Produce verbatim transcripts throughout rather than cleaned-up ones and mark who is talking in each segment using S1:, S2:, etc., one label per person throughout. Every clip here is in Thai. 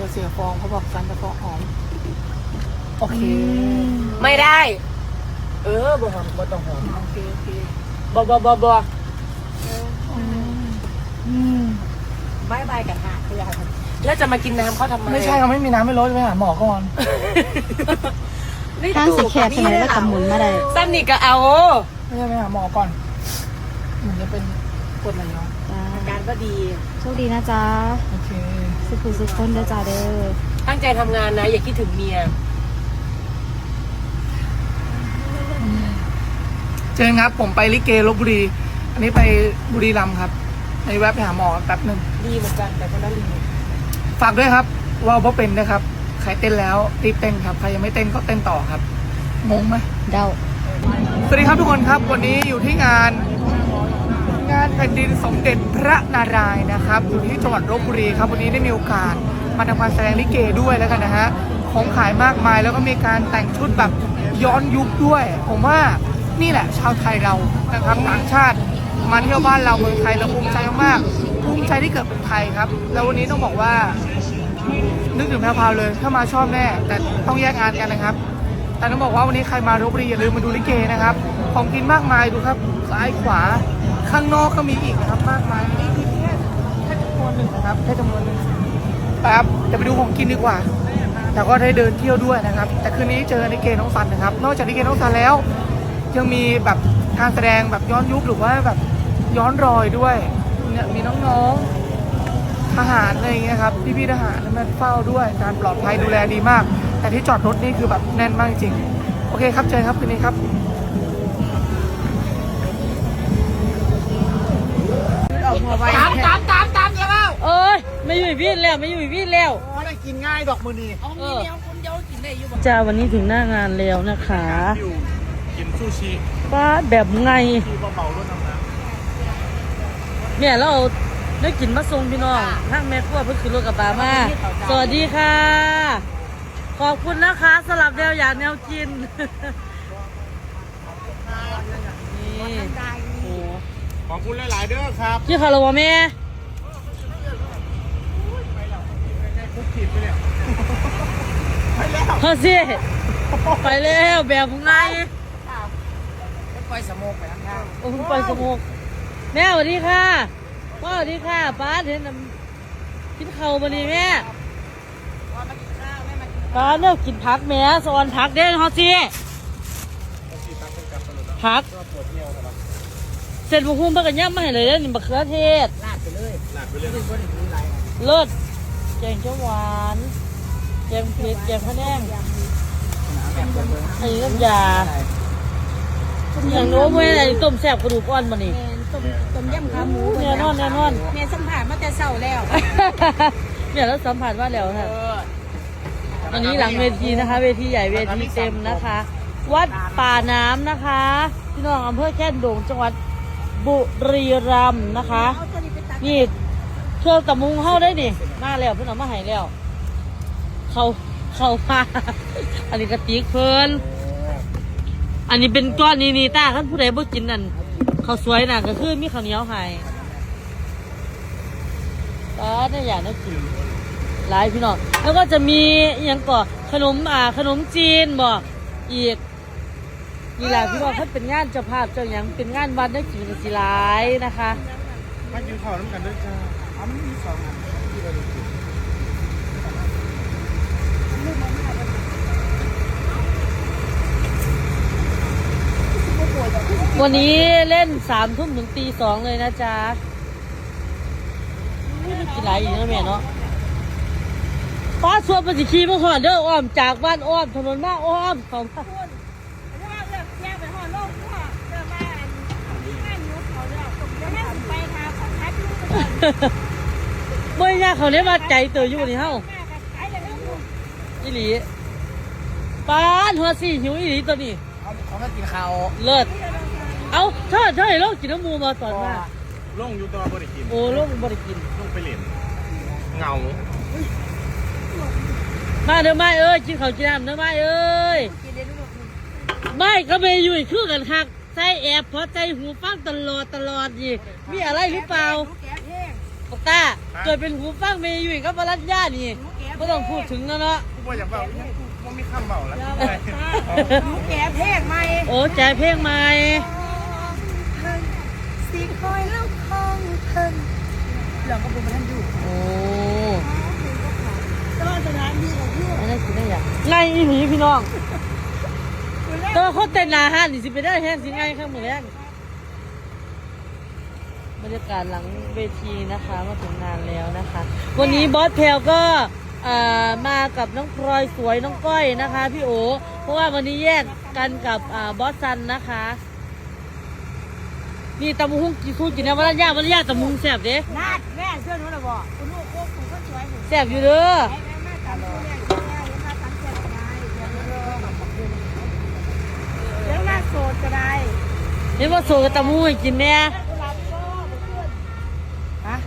S1: ดี๋ยวเสียฟองเขาบอกซันจะฟองหอมโอเค
S2: ไม่ได้เออบ่หอมบ่ต้องหอม
S1: โอเคโอเค
S2: บ่บ่บ่บ่
S1: อืม
S2: บายบายกันค่ะคืออะไรแล้วจะมากินน้ำเขาทำไม
S1: ไม่ใช่เขาไม่มีน้ำไม่ลดไปหาหมอก่อน
S3: ทางสิแคบใช่ไหมแล้วก็หมุนมาได้
S2: ซ้ำนี่ก็เอา
S1: ไม่ใช่ไปหาหมอก่อนเหมือนจะเป็นกรดไหลย้อน
S3: จ้า
S2: อาการก็ดี
S3: โชคดีนะจ๊ะ
S1: โอเค
S3: สุขุสุขคนเด้อจ้าเด้อ
S2: ตั้งใจทำงานนะอย่าคิดถึงเมีย
S1: เจนครับผมไปลิเกลพบุรีอันนี้ไปบุรีรัมย์ครับในแวะไปหาหมอแป๊บหนึ่ง
S2: ดีเหมือนกันแต่คนละลิง
S1: ฝากด้วยครับว่าวบ่เป็นนะครับใครเต้นแล้วรีบเต้นครับใครยังไม่เต้นก็เต้นต่อครับงงไหม
S3: เดา
S1: สวัสดีครับทุกคนครับวันนี้อยู่ที่งานงานแผ่นดินสมเด็จพระนารายณ์นะครับอยู่ที่จังหวัดลพบุรีครับวันนี้ได้มีโอกาสมาทำการแสดงลิเกด้วยแล้วกันนะฮะของขายมากมายแล้วก็มีการแต่งชุดแบบย้อนยุคด้วย ผมว่านี่แหละชาวไทยเรานะครับต่างชาติมาเที่ยวบ้านเราเมืองไทยเราภูมิใจมากๆภูมิใจที่เกิดเป็นไทยครับแล้ววันนี้ต้องบอกว่านึกถึงแพรวพราวเลยถ้ามาชอบแน่แต่ต้องแยกงานกันนะครับ แต่ต้องบอกว่าวันนี้ใครมาลพบุรีอย่าลืมมาดูลิเกนะครับของกินมากมายดูครับซ้ายขวาข้างนอกก็มีอีกนะครับมากมายนี่คือแค่แค่จำนวนหนึ่งนะครับแค่จำนวนหนึ่งไปครับจะไปดูของกินดีกว่า แต่ก็ได้เดินเที่ยวด้วยนะครับ แต่คืนนี้เจอลิเกน้องสันนะครับ นอกจากลิเกน้องสันแล้ว ยังมีแบบการแสดงแบบย้อนยุคหรือว่าแบบย้อนรอยด้วยเนี่ยมีน้องๆทหารอะไรอย่างเงี้ยครับพี่ๆทหารมาเฝ้าด้วยการปลอดภัยดูแลดีมาก แต่ที่จอดรถนี่คือแบบแน่นมากจริงโอเคครับเจอครับคืนนี้ครับตามตามตามตามอย่าเล่า
S2: เอ้ยไม่อยู่วิ่งแล้วไม่อยู่วิ่งแล้ว
S1: อ๋อได้กินง่ายดอกมือนี่
S2: เออจ้าวันนี้ถึงหน้างานแล้วนะคะ
S1: อยู่กินซูชิ
S2: ป้าแบบไง
S1: ที่เบาๆด้วยน้ำน้
S2: เนี่ยเราเอาได้กินมาส่งพี่น้องทั้งแม่ครัวเพิ่งขึ้นรถกับป้ามาสวัสดีค่ะ ขอบคุณนะคะสลับแนวอยากแนวกินนี่โอ้
S1: ขอบคุณหลายๆเด้อครับ
S2: ชื่อคาราวะแม่
S1: คุกขีดไปแล้วไปแล้ว
S2: เฮ้ยสิไปแล้วแบบไง
S1: ไปสมกไปข้างหน้า
S2: โอ้คุณปล่อยสมุกแม่สวัสดีค่ะพ่อสวัสดีค่ะป้าเห็นน้ำกินข้าวมาดีแม่ป้าเลิกกินผักแม่สอนผักเด้งเขาสิผักเสร็จบุ้งเพื่อกันย่ำมาให้เลยเด้อนี่มะเขือเทศ
S1: ลาดไปเลยลาดไปเลย
S2: เลิศแกงเขียวหวานแกงเผ็ดแกงพะแนงอันนี้น้ำยาอย่างโน้มไว้ไหนต้มแซ่บกระดูกอ่อนมานี่
S3: ต้มต้มยำขาหมู
S2: แน่นอนแน่นอน
S3: แม่สัมผัสมาแต่เช้าแล้ว
S2: เนี่ยแล้วสัมผัสว่าแล้วค่ะวันนี้หลังเวทีนะคะ เวทีใหญ่เวทีเต็มนะคะ วัดป่าน้ำนะคะพี่น้องอำเภอแค่นโด่งจังหวัดบุรีรัมย์นะคะนี่เครื่องตะมุงเข้าได้นี่มาแล้วเพื่อนเอามาให้แล้ว เขาเขามาอันนี้กระติกเพิ่นอันนี้เป็นก้อนนี่นี่ตาท่านผู้ใดบ่กินนั่นเขาวสวยน่ะก็คือมีข้าวเหนียวให้ก็ได้อย่างนั้นกินหลายพี่น้องแล้วก็จะมีอหย่างก่อขนมอ่าขนมจีนบอกอีกนี่แหละพี่น้องท่านเป็นงานเจ้าภาพเจ้าหยังเป็นงานวัดได้กินสิหลายนะคะ
S1: มากินข้าวน้ำกันด้วยจ้าอ๋อมันมีสองอันที่เรากิน
S2: วันนี้เล่นสามทุ่มถึงตีสองเลยนะจ๊ะกินหลายอยู่นะแม่เนาะฟ้าสวดปฏิคีมาขอเด้ออ้อมจากบ้านอ้อมถนนมาอ้อมเขามาเมื่อยากเขาเนี่ยมาใจเตยอยู่นี่เฮ้าอีหลีป้านหัวสี่หิวอีหลีตัวนี้
S1: เขาเขามากินข้าว
S2: เลิศเอาเธอเธอให้เรากินน้ำมูมาสอนมา
S4: ล่งอยู่ตัวบริกิน
S2: โอ้ลูกบริกิน
S4: ล่งไปเหรียญเงา
S2: มาเด้อไม่เอ้ยกินข้าวกินน้ำเด้อไม่เอ้ยไม่ก็ไม่อยู่อีกคือกันคักใส่แอบเพราะใจหูฟังตลอดตลอดยี่มีอะไรหรือเปล่าปกตาเกิดเป็นหูฟังเมย์อยู่อีกก็บรัญญานี่
S3: แก้
S2: ก็ต้องพูดถึงแล้วเนาะ
S4: กูบอกอย่างเบากูไม่ข้ามเบาแล้ว
S3: หนูแก่เพลงใหม่
S2: โอ้แจกเพลงใหม่
S3: สีคอยแล้วคองเพิ่นหลอกกระบุมท่านอยู่
S2: โอ้
S3: ก็สถานดีของพี่
S2: อันนั้นคือได้อย่างไงอีหลีพี่น้องแตัวาเขาเต้นหนาฮันนี่สิไปได้แห้งสิไงข้างมือแรกบรรยากาศหลังเวทีนะคะมาถึงงานแล้วนะคะ วันนี้บอสแพลวก็อ่ามากับน้องพลอยสวยน้องก้อยนะคะพี่โอเพราะว่าวันนี้แยกกันกับอ่าบอสซันนะคะนี่ตำมุ้งกี่สู้กินนะวันละย่าวันละย่าตำมุ้งแซ่บเด้
S3: นาดแม่เสื้อหนูหรอบ่คุณลูกโคกคุณก็สวย
S2: แซ่บอยู่เด้อ
S3: แม่แม่ตามผู้แม่แม่เห็นมาตั้งใจได้เดี๋ยวเดี๋ยวมาโสดก็ได้
S2: เห็นว่าโซกับตำมุ้งให้กินเนี่ย
S3: ฮะ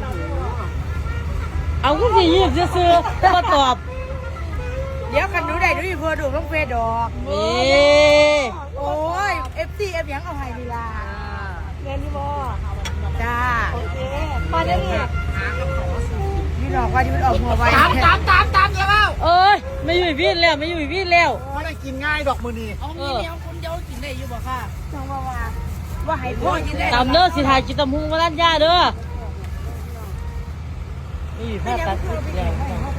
S2: เอาก็สิยีบซื้อๆแต่มาตอบ
S3: เดี๋ยวกันหนูได้ดูอีเพื่อดูต้องเฟดดอก
S2: นี่
S3: โอ้ย เอฟ ซี เอฟยังเอาให้ดีล่ะเรียนที่บ่จ้าโอเคมาเดี๋ยวนี้พี่ดอกว่าที่มันออกหัวไวตามตามตามตามเดี๋ยวเอา
S2: เอ้ยไม่อยู่อีกวินแล้วไม่อยู่อีกวินแล้ว
S4: ไม่ได้กินง่ายดอกมือนี่
S3: เอามีเดียวคุณเดียวกินได้อยู่บ่ค่ะจังว่าว่าว่าให้พ่อกินได้
S2: ตามเด้อสิถ่ายกินตำมุ้งมาด้านย่าเด้อไม่อยู่ภาพตัดสินแล้ว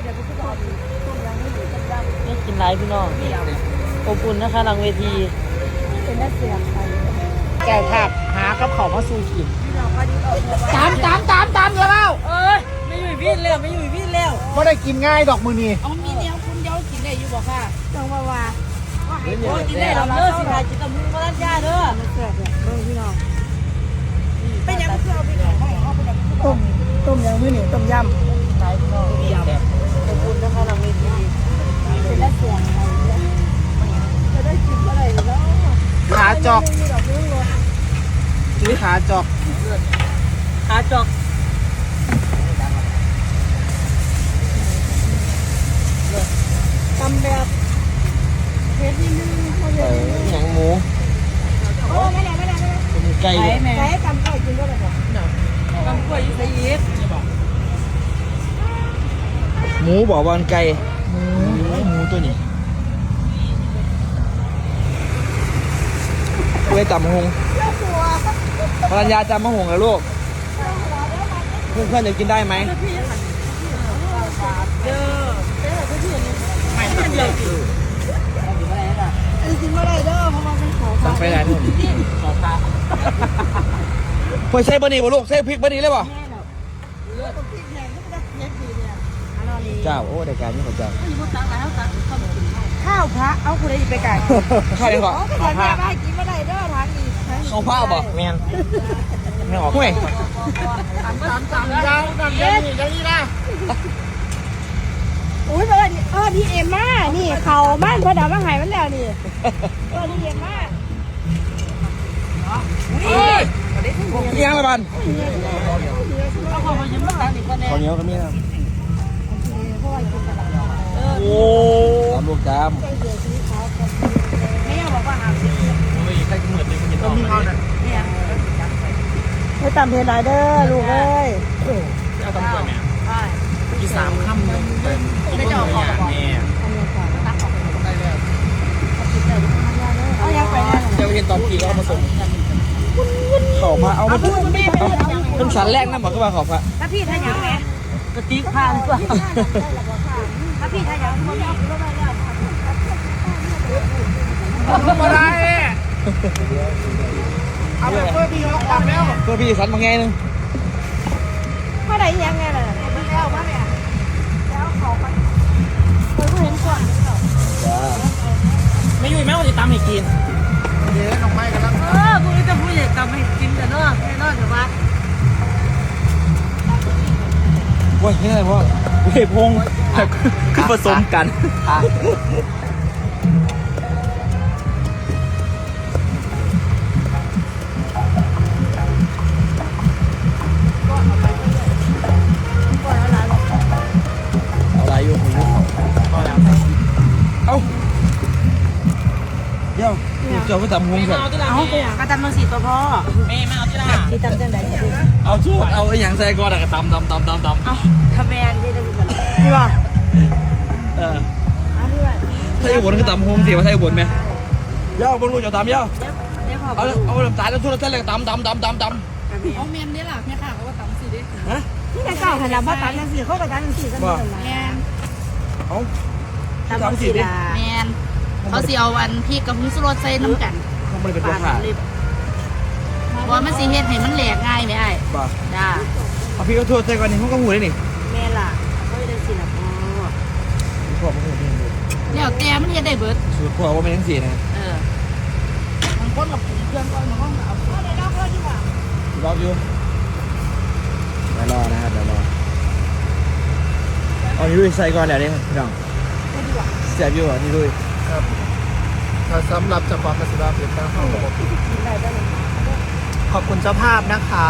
S2: นี่กินไรพี่น้องอบอุ่นนะคะหลังเวที
S3: เป็นนักเสียงไป
S1: แก่ผักหากับของมาสู้กิน
S3: พี่ดอกว่าที่ออกหัวไว
S1: ตามตามตามตามเดี๋ยวเอา
S2: เอ้ยไม่อยู่อีกวินแล้วไม่อยู่อีกวินแล้ว
S4: ไม่ได้กินง่ายดอกมือนี่
S3: เอามีเดียวคุณเดียวกินได้อยู่บ่ค่ะจังว่าว่าว่าให้พ่อกินได้
S2: ตาม
S3: เรา
S2: เด้อ
S3: เลิก
S2: สิ
S3: สิ
S2: ถ่า
S3: ถ่าย ย
S2: กินตำมุ้งมาด้านย่าเด้อ
S3: เสียเนี่ยเบิ่งพี่น้องเป็นยังคือเอาไปขายให้เขาเป็นต้มต้มยังมื้อนี่ต้มยำ
S2: ไรพี่น้องอบอุ่นนะคะหลังเวที
S3: เป็นนักเสียงไปจะได้กินอะไรแล้ว
S4: ขาจอก
S3: มีดอกนิ้วรถ
S4: ซื้อขาจอก
S2: ขาจอก
S3: ตำแบบเผ็ดนิดนึงเขาเย
S2: เอ
S3: อะ
S2: อหนังหมู
S3: โอ้ไม่ได้ไม่ได้ไม่ได้
S2: เป็นไก่
S3: ไก่ตำไก่กินก็ได้บ่
S2: ตำกล้วยใส่ยีสต์
S5: หมูบอกบอลไก่หมูหมูตัวนี้เว้ยจับมะฮงภรรยาจับมะฮงแล้วลูก เพื่อนเพื่อนๆจะกินได้ไหม
S3: อันนี้กินไม่ได้เด้อเพราะว่าเป็นของ
S5: สั่งไปไหนนู่นพอใส่บะหมี่บ่ลูกใส่พริกบะหมี่เลยป่ะเจ้าโอ้ได้การนี่ของเจ้า
S3: ข้าวพระเอาคุณได้ไปไก่
S5: ข้าวยังก่อน
S3: อ๋อก็จะแม่มากินไม่ได้เด้อทางนี้
S5: เขาผ้าบอกแมนไม่ออกห้วย
S1: ตามตามตามยาวตามยาวนี่อย่างนี้นะ
S3: อุ้ยเออเออพี่เอ็มมานี่เขาบ้านพระดาวมาหายมันแล้วนี่เออพี่เอ็มมา
S5: เอ้ยยังละบัน
S2: เอาของมายิ้มมาตั้งอีกคนแน่
S5: ข้าวเหนียวก็มีนะโอ้ตามลูกจาม
S3: ไม่อยากบอกว่าหาสิ
S4: ก็มีเอาเนี่ย
S3: ไม่ตามเพลายเด้อลูกเอ้ย
S4: เอาตำรวจเนี่ยมีสามคำเลยไม่จะออกของแม่
S3: เอายังไปแน่
S5: เจ้าเห็นตอนขี่ก็เอามาส่งเขาพระเอามาเป็นสันแรกนะบอกก็ว่าเขาพระ
S3: ถ้าพี่ทายังไง
S2: กระติกผ่านกว่า
S3: ถ้าพี่ทายังไม่เอาไม่ได้แล้ว
S1: มาได้เอาไปเพื่อพี่เขาออกแล้ว
S5: เพื่อพี่สันมาไงนึง
S3: เมื่อไหร่ยังไงล่ะไม่แล้วมาเนี่ยแล้วเขาไปเคยเห็นก่อน
S5: ไม่ยุ่ยแม่ว่าจะตามให้กิน
S1: เดี๋ยวน้องไม้กันแล้ว
S2: เออพวกนี้จะพูดอย่างตำให้กินแต่เนาะแน่นอนแต่ว่า
S5: โอ้ยนี่อะไรพ่อเว้ยพงคือผสมกัน เอาอะไรอยู่หูเอ้าเดี๋ยวเจ้าก็ตำหงสัน
S3: เอาไปอย่างกระตำมังสีตัวพ่อแม่ไม่เอาที่ละที่ตำจังไหน
S5: เอาชุดเอาไอ้หยังใส่ก่อนอะก็ตำตำตำตำตำ
S3: เอาทำแมนที่ได้กันนี่ป่ะ
S5: เออ
S3: อันนี้ว่า
S5: ถ้าอยู่บนคือตำโฮมสิว่าถ้าอยู่บนไหมเย้าบนรูจะตำเย้า
S3: เดี๋ยวขอ
S5: เอาเอาน้ำตาลแล้วทุเรศเลยตำตำตำตำตำ
S3: เอาเมียนนี่ล่ะแม่ค่ะเขาว่าตำสิเด้
S5: ฮะ
S3: นี่แม่เก่าหันหลังมาตันยังสี่เขาก็ตันยังสี่กันหมดเลยแม่
S5: เอา
S3: ตำสิล่ะแม่เขาสิเอาอันพริกกับผงชูรสใส่น้ำกัน
S5: เขาไม่ได้เป็นตัวขาด
S3: เพราะมันสิเฮ็ดให้มันแหลกง่ายไหมไอ้
S5: ป่ะ
S3: จ้า
S5: เอาพี่ก็โทษใส่ก่อนนี่เขาก็หูได้นี่
S3: แม่ล่ะเขาจะสิล่ะพ่อ
S5: พ่อไม่เคยเรียนเลย
S3: แล้วแต่มันเฮ็ดได้เบิด
S5: สูตรพ่อว่าไม่ทั้งสี่นะ
S3: เออบางคนกับปรุงเครื่องก่อนบางคนเอาเอาได้แล้วก็ดีกว่าร
S5: ออยู่เดี๋ยวรอนะครับเดี๋ยวรอเอานี่ด้วยใส่ก่อนแล้วนี่พี่น้องเสียบอยู่อ่ะนี่ด้วย
S4: ครับถ้าสำหรับเจ้าของกสิราเปลี่ยนแปลงห้องระบบขอบคุณเจ้าภาพนะคะ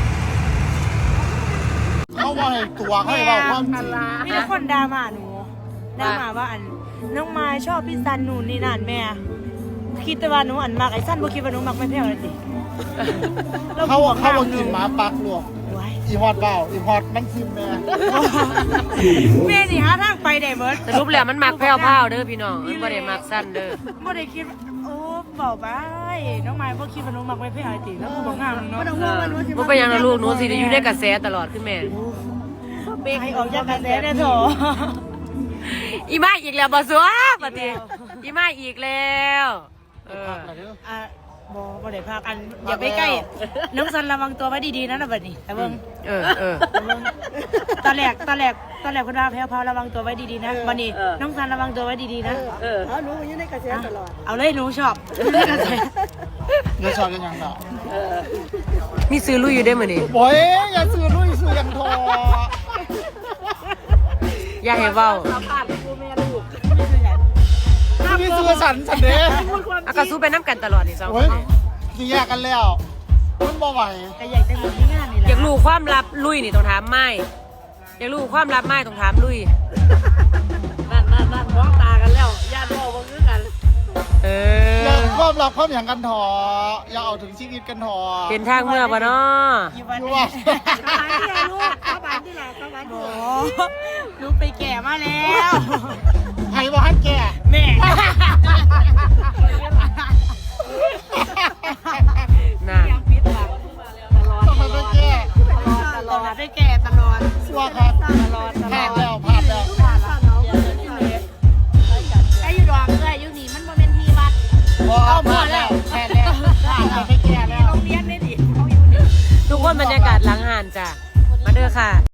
S4: เขาว่าให้ตัวเขาให้บอกความจริง
S3: มีแต่คนด่ามาหนูด่ามาว่าอันน้องไม้ชอบพี่ซันหนูนี่นั่นแม่คิดแต่ว่าหนูอันมากไอ้ซันบ่คิดว่าหนูมักไม่แพ้เลยสิ
S4: เขาว่าเขาว่ากินหมาปักหลวง
S3: ไว้
S4: อีฮอดเปล่าอีฮอดมันซิมแม่
S3: แม่สิหาทางไปได้เบิด
S2: สรุปแล้วมันมักแพ้วๆเด้อพี่น้องมันบ่ได้มักสั้นเด้อ
S3: บ่ได้คิดว่าโอ้เบาไปน้องไม้บ่คิดว่าหนูมักไม่แพ้เลยสิแล้วกูบ่งามเนาะบ่ต้องห่วงว่าหนูสิ
S2: บ่เป็นหยังนะลูกหนูสิได้อยู่ในกระแสตลอดขึ้นแม่
S3: ให้ออกจากกระแสได้โถ
S2: อีมาอีกแล้วบ่ซัวปฏิอีมาอีกแล้วเออ
S3: อ่ะบ่บ่ได้พักอันอย่าไปใกล้น้องซันระวังตัวไว้ดีๆนะนะบัดนี้แต่เบิ่ง
S2: เออเออ
S3: ตอนแรกตอนแรกตอนแรกคุณว่าแพ้วพาระวังตัวไว้ดีๆนะวันนี้น้องซันระวังตัวไว้ดีๆนะ
S2: เออ
S3: หนูอยู่ในกระแสตลอดเอาเลยหนูชอบ
S4: เดี๋ยวชอบกันยังต่อ
S2: มีซื้อลุยอยู่ได้มื้อนี้
S4: โอ้ยอย่าซื้อลุยซื้อยังทอ
S2: อย่าให้เว้า
S4: พี่ซื้อสันสันเด้
S2: อากาสู้ไปน้ำกันตลอดนี่สองค
S4: โอ้ย
S2: น
S4: สิแยกกันแล้วมันบ่ไหว
S3: ก็อยากจะมีที่งานนี่แหละ
S2: อยากรู้ความลับลุยนี่ต้องถามไม้อยากรู้ความลับไม้ต้องถามลุยนั่นนั่นนั่นมองตากันแล้วญาติบอกว่าคือกันเอ
S4: อย่า
S2: อ
S4: ความรักความอย่างกันทออย่าเอาถึงชีวิตกันทอ
S2: เป็นทางเมื่อบ่เนาะ
S3: อยู่บ้าน
S4: อยู่
S3: นี่
S4: ว่า
S3: เข้าบ้านที่ไหนลูกเข้าบ้านที่ไหนเข้าบ้านที่ไหนลูกไปแก่มาแล้ว
S4: ใครบอกให้แก่
S3: แม่
S2: น่ะ
S4: ต้องไปแก่
S3: ตลอดไปแก่ตลอด
S4: ชัวร์ครับ
S3: ตลอดตลอด